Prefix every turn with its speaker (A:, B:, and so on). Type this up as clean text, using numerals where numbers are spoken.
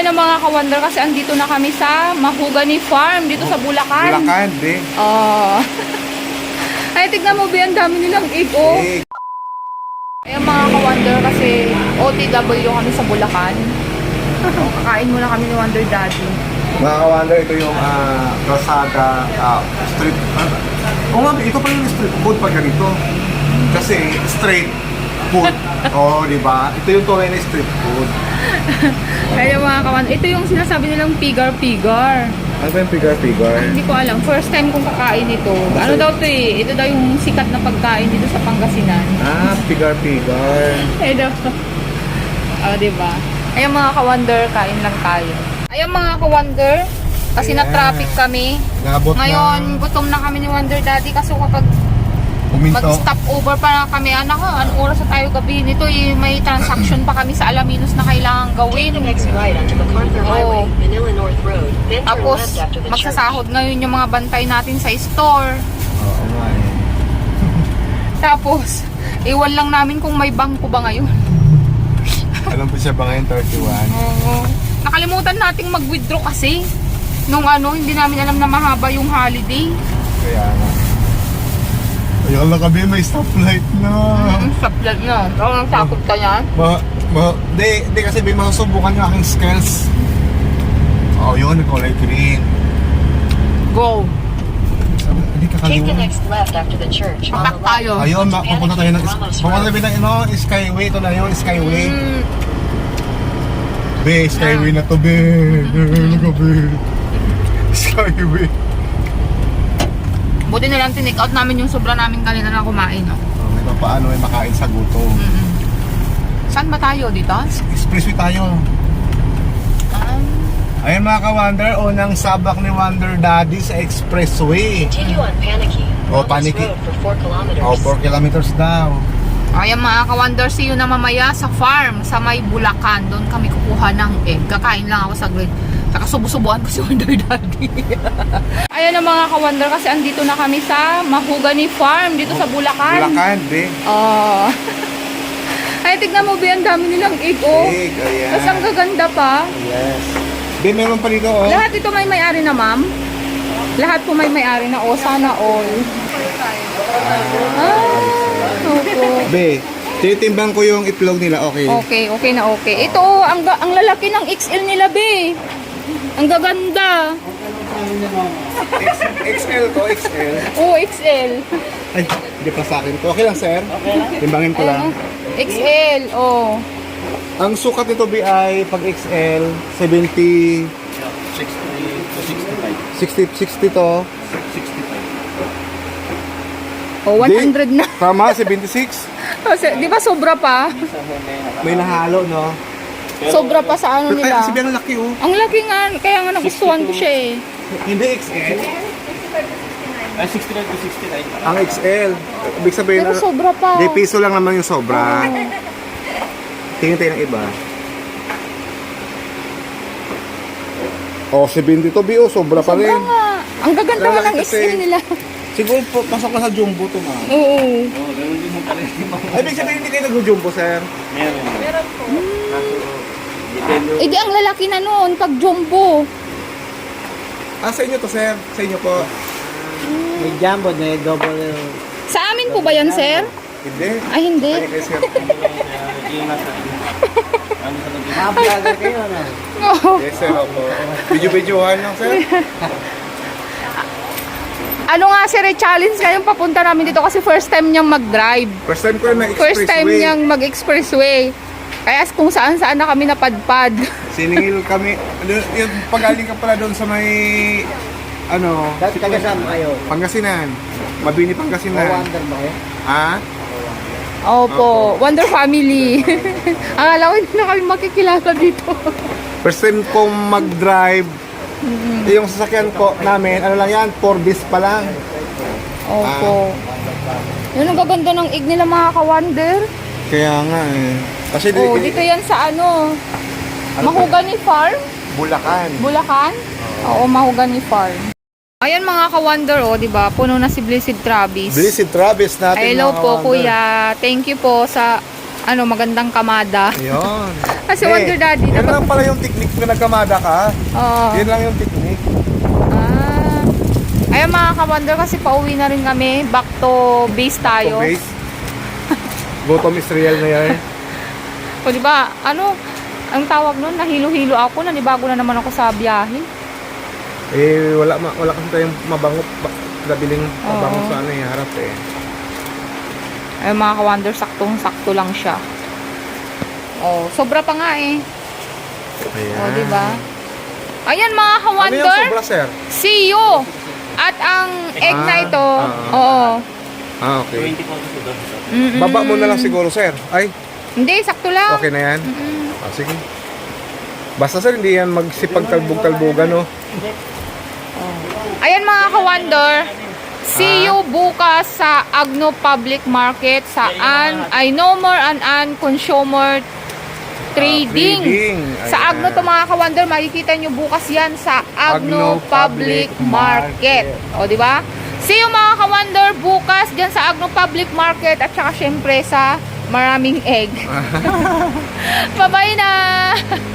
A: Ayan ang mga ka-wonder kasi andito na kami sa Mahogany Farm dito sa Bulacan.
B: Bulacan, be.
A: Oh. Ay, tignan mo, be, ang dami nilang egg, oh. Ayan mga ka-wonder kasi OTW kami sa Bulacan. Kakain muna kami ni Wonder Daddy.
B: Mga ka-wonder, ito yung kalsada, street. Oo nga, ito pa yung street food pag ganito. Kasi straight food. Oo, di ba? Ito yung tunay na street food.
A: Kaya mga ka-wonder, ito yung sinasabi nilang pigar-pigar.
B: Ano ba yung pigar-pigar?
A: Hindi ko alam. First time kong kakain ito. Ano daw to eh? Ito daw yung sikat na pagkain dito sa Pangasinan.
B: Pigar-pigar.
A: Ito. Oh, diba? Ayan mga ka-wonder, kain lang tayo. Ayan mga ka-wonder, kasi
B: Ayan.
A: na-traffic kami.
B: Nabot
A: Ngayon, gutom na kami ni Wonder Daddy kasi kapag mag-stop over pa kami, anak ko, anong oras na tayo gabi nito, eh, may transaction pa kami sa Alaminos na kailangan gawin. Oo. Tapos, magsasahod ngayon yung mga bantay natin sa store.
B: Oo nga eh.
A: Tapos, iwan lang namin kung may bangko ba ngayon.
B: Alam po siya ba ngayon, 31?
A: Oo. Nakalimutan nating mag-withdraw kasi. Nung hindi namin alam na mahaba yung holiday.
B: Kaya nga. Ayun lang kami, may stoplight na.
A: Saplat na. Ikaw nang takot ka yan?
B: Di kasi may masusubukan yung aking skills. Oo, yun, kulay green.
A: Go.
B: Hindi ka
C: Take the
B: kaliwa.
C: next left after the church.
A: Papak tayo.
B: Ayun, pupunta tayo ng Skyway. Ito na yun, Skyway. Be, Skyway na to, be. Ano ka, be? Skyway.
A: Buti na lang tinake out namin yung sobra namin kanina na kumain. No?
B: May paano ay makain sa gutom.
A: Saan ba tayo? Dito?
B: Expressway tayo. Ayun mga ka-wonder, unang sabak ni Wonder Daddy sa Expressway.
C: Continue on Panicky.
B: Oh,
C: Along this
B: Panicky.
C: road for 4 kilometers.
B: Oh, 4 kilometers daw.
A: Ayan mga ka-wonder, see you na mamaya sa farm sa may Bulacan. Doon kami kukuha ng egg. Kakain lang ako saglit. Saka subo-subuan ko si Wonder Daddy. Ayan ang mga ka-wonder kasi andito na kami sa Mahogany Farm dito sa Bulacan.
B: Bulacan, be.
A: Oh. Ay, tignan mo, be, ang dami nilang egg, oh.
B: Egg, ayan.
A: Tapos ang gaganda pa.
B: Yes. Be, meron pa dito, oh.
A: Lahat ito may may-ari na, ma'am? Lahat po may may-ari na, oh. Sana all. Opo.
B: Be, titimbang ko yung itlog nila, okay?
A: Okay na okay. Ito, oh, ang lalaki ng XL nila, be. Ang gaganda.
B: XL to, XL.
A: Oh, XL.
B: Ay, hindi pa sa akin to. Okay lang, sir? Okay lang. Timbangin ko lang.
A: XL, oh.
B: Ang sukat nito, Be, ay pag XL, 70...
D: 60 to
B: 60
D: 65.
B: to.
D: 65.
A: Oh, 100 na.
B: Tama, 76.
A: Kasi, di ba sobra pa?
B: May nahalo, no?
A: Sobra pa sa ano
B: Ay,
A: nila.
B: kasi Be, ang laki, oh.
A: Ang laki nga, kaya nga nagustuhan ko siya eh.
B: Hindi XL.
D: 69 to 69.
B: Ang XL. Ibig sabihin,
A: Pero sobra pa.
B: di piso lang naman yung sobra. Tingin tayo ng iba. Oh, 70 to, Be, oh. Sobra pa
A: Sobra
B: rin.
A: nga. Ang gaganda nga ng
B: Kasi-
A: XL nila.
B: Siguro, pasok na sa jumbo to, ma.
A: Oo.
D: Oh, ganun din mo pala yung mga.
B: Ay, ibig sabihin, hindi kayo nag-jumbo, sir.
D: Meron po. Depende.
A: Eh di ang lalaki na noon pag jumbo.
B: Ah, sa inyo to, sir. Sa inyo po.
E: May jumbo, may double.
A: Sa amin po ba yan, sir?
B: Hindi.
A: Ay, hindi.
B: Ay, sir.
D: Yung nasa ano sa lagi.
E: Mga vlogger kayo, ano?
A: Oo.
B: Yes, sir. Opo. Video-videohan lang, sir.
A: Ano nga, sir, challenge ngayon papunta namin dito kasi first time niyang mag-drive.
B: First time ko na
A: First time niyang mag-expressway. Kaya kung saan-saan na kami napadpad.
B: Siningil kami. Yung pagaling ka pala doon sa may... Ano?
E: Taga saan kayo?
B: Pangasinan. Mabini,
E: O
B: Pangasinan.
E: wonder ba kayo?
B: Ha?
A: Opo, Wonder Family. Akala ko hindi na kami makikilala dito.
B: First time kong mag-drive. Yung sasakyan ko namin, ano lang yan, 4 days pa lang.
A: Opo. Yun ang gaganda ng egg nila mga ka-wonder.
B: Kaya nga eh. Kasi
A: Oh, dito yan sa ano? Mahogany Farm?
B: Bulacan.
A: Bulacan? Oo, Mahogany Farm. Ayan mga ka-wonder, oh, di ba? Puno na si Blessed Travis.
B: Blessed Travis natin.
A: Hello
B: mga
A: po,
B: ka-wonder.
A: kuya. Thank you po sa magandang kamada.
B: Yun.
A: Kasi Wonder Daddy,
B: Yan lang pala yung technique kung nagkamada ka.
A: Oo.
B: Yan lang yung technique.
A: Ayun mga ka-Wonder, kasi pauwi na rin kami. Back to base tayo.
B: So, base. Bottom is real na yan.
A: O diba, ang tawag nun, nahilo-hilo ako, nanibago na naman ako sa biyahe.
B: Wala kasi tayong mabango. Nabiling mabango sa harap eh.
A: Ayun mga ka-Wonder, saktong-sakto lang siya. Oh, sobra pa nga eh.
B: Ayan.
A: O diba? Ayan mga
B: Ano yung
A: ka-Wonder,
B: sobra, sir?
A: see you! At ang egg na ito, oo.
B: Okay.
D: 20 po kasi doon.
B: Baba mo na lang siguro, sir. Ay,
A: Hindi, sakto lang.
B: okay na yan? Sige. Basta sir, hindi yan magsipag-talbog-talbogan, no?
A: Ayan mga ka-Wonder, see you bukas sa Agno Public Market saan ay No More an Consumer Trading. Sa
B: Ayan.
A: Agno to mga ka-Wonder, makikita nyo bukas yan sa Agno Public Market. O, di ba? See you mga ka-Wonder bukas dyan sa Agno Public Market at saka syempre sa maraming egg. Bye-bye na!